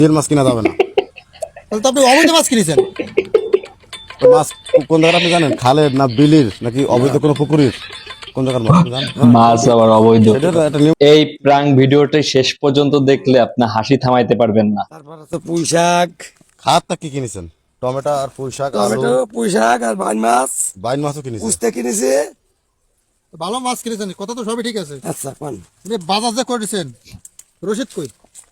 তেল মাছ কিনা যাবে না। তাহলে তো আপনি অবৈধ মাছ কিনেছেন। তো মাছ কোন জায়গার আপনি জানেন? খালের না বিলির নাকি অবৈধ কোনো পুকুরের? কোন জায়গার মাছ আপনি জানেন? মাছ আবার অবৈধ। এটা তো একটা নিয়ম। এই প্রাঙ্ক ভিডিওটি শেষ পর্যন্ত দেখলে আপনি হাসি থামাইতে পারবেন না। তারপর আছে পুঁই শাক, খাতটা কি কিনেছেন? টমেটো আর পুঁই শাক, টমেটো, পুঁই শাক আর বাইন মাছ, বাইন মাছও কিনেছেন। উস্তে কিনেছে। ভালো মাছ কিনেছেন, কথা তো সবই ঠিক আছে। আচ্ছা কোন আপনি বাজার যে করেছেন, রসিদ কই?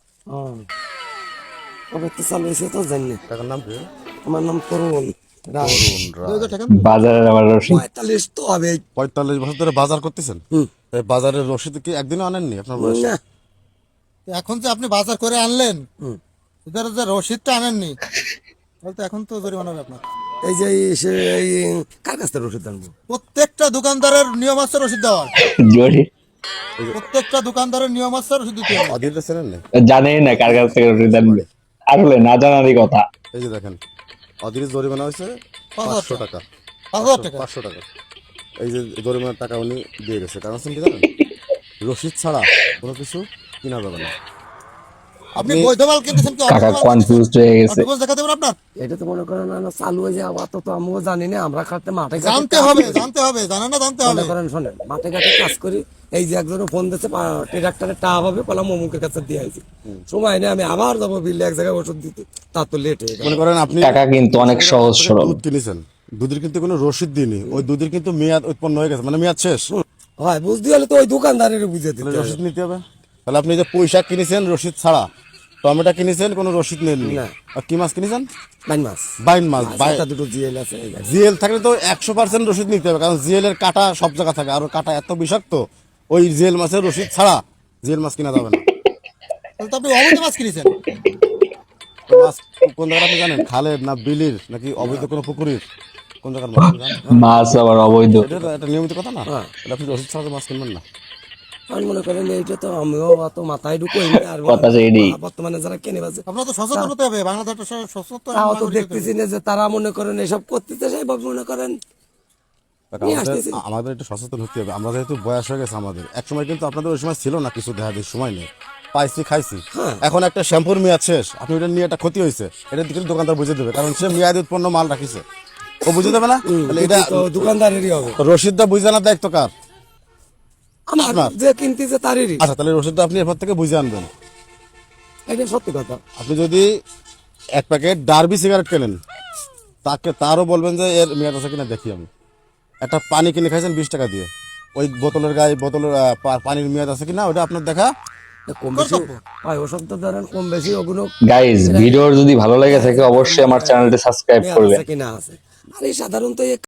কবে তো চালু হয়েছে তো জানি না। টাকার নাম কি? আমার নাম তরুণ রাজ। 2000 টাকা বাজারের আবার রসিদ 45 তো হবে। 45 বছর ধরে বাজার করতেছেন। এই বাজারের রসিদ কি একদিনও আনেননি আপনার বয়সে? না এখন যে আপনি বাজার করে আনলেন, এদের যে রসিদটা আনেননি, তাহলে তো এখন তো জরিমানা হবে আপনার। এই যে এই কার কাছ থেকে রসিদ আনবো? প্রত্যেকটা দোকানদারের নিয়ম আছে রসিদ দেওয়ার। জোরে প্রত্যেকটা দোকানদারের নিয়ম আছে রসিদ দিতে হবে। অধীরটা চেনেন না? জানেই না কার কাছ থেকে রসিদ আনবে, আসলে না জানারই কথা। এই যে দেখেন, অধীরের জরিমানা হয়েছে 500 টাকা। 5000 টাকা। 500 টাকা। এই যে জরিমানার টাকা উনি দিয়ে গেছে। কারণ হচ্ছে কি জানেন? রসিদ ছাড়া কোনো কিছু কিনা যাবে না। আপনি বৈধ মাল কিনতেছেন কি অবৈধ কাকা মাল কিনতেছেন? কনফিউজড হয়ে গেছে। ডকুমেন্টস দেখাতে হবে আপনার। এটা তো মনে করেন না চালু হয়ে যায় আবার তো আমিও জানি না। আমরা খাতে মাঠে ঘাটে জানতে কাজ হবে, করি। জানতে হবে, জানেন না জানতে হবে। মনে করেন শোনেন মাঠে ঘাটে কাজ করি। এই যে একজনে ফোন দিচ্ছে ট্রাক্টরে টাকা হবে কলাম অমুকের কাছে দিয়ে আইছি। সময় নেই, আমি আবার যাবো বিল এক জায়গায় ওষুধ দিতে, তার তো লেট হয়ে গেল। মনে করেন আপনি কাকা কিন্তু অনেক সহজ সরল। দুধ কিনেছেন, দুধের কিন্তু কোনো রসিদ দিইনি, ওই দুধের কিন্তু মেয়াদ উৎপন্ন হয়ে গেছে, মানে মেয়াদ শেষ। হয় বুঝতে হলে তো ওই দোকানদারের বুঝে দিতে তাহলে হবে। রসিদ নিতে হবে। তাহলে আপনি যে পুঁই শাক কিনেছেন রসিদ ছাড়া, টমেটো কিনেছেন কোনো রসিদ নেননি, না। আর কি মাছ কিনেছেন? বাইন মাছ, বাইন মাছ। একটা দুটো জিএল আছে এই গাড়ি। জিএল থাকলে তো 100% রসিদ নিতে হবে, কারণ জিএল এর কাটা সব জায়গা থাকে, আর ওর কাটা এত বিষাক্ত, ওই জিএল মাছের রসিদ ছাড়া জিএল মাছ কিনা যাবে না। তাহলে তো আপনি অবৈধ মাছ কিনেছেন। তো মাছ কোন জায়গার আপনি জানেন? খালের না বিলির নাকি অবৈধ কোনো পুকুরের? কোন জায়গার মাছ আপনি জানেন? মাছ আবার অবৈধ। এটা তো একটা নিয়মিত কথা না? তাহলে আপনি রসিদ ছাড়া তো মাছ কিনবেন না। আমি মনে করেন এইটা তো আমিও অত মাথায় ঢুকোই আর কথা সেইডি। বর্তমানে যারা কেনে বাজে আপনার তো সচেতন হতে হবে, বাংলাদেশ একটা সচেতন তাও তো নাগরিক হতে দেখতেছি হবে। না যে তারা মনে করেন এসব করতেছে, সেইভাবে মনে করেন দেখ, নিয়ে আমাদের আসতেছি। আমাদের একটু সচেতন হতে হবে। আমরা যেহেতু বয়স হয়ে গেছে আমাদের, এক সময় কিন্তু আপনাদের ওই সময় ছিল না, কিছু দেখা যায় সময় নেই, পাইছি খাইছি। এখন একটা শ্যাম্পুর মেয়াদ শেষ, আপনি ওটা নিয়ে একটা ক্ষতি হয়েছে, এটা দিকে দোকানদার বুঝে দেবে, কারণ সে মেয়াদ উৎপন্ন মাল রাখিছে, ও বুঝে দেবে না? তাহলে এটা তো দোকানদারেরই হবে। রসিদটা বুঝে আনার দায়িত্ব কার? আমার আপনার। যে কিনতেছে তারেরই, আচ্ছা, তাহলে রসিদটা আপনি এরপর থেকে বুঝে আনবেন। এটা সত্যি কথা। আপনি যদি এক প্যাকেট ডার্বি সিগারেট কেনেন, তারও বলবেন যে এর মেয়াদ আছে কিনা দেখি আমি। একটা পানি কিনে খাইছেন 20 টাকা দিয়ে, ওই বোতলের গায়ে বোতলের পানির মেয়াদ আছে কিনা ওটা আপনার দেখা। কম বেশি হয় ওসব তো ধরেন কম বেশি ওগুলো গাইজ, ভিডিও যদি ভালো লেগে থাকে অবশ্যই আমার চ্যানেলটি সাবস্ক্রাইব করবেন। আছে কিনা আছে। আর এই সাধারণত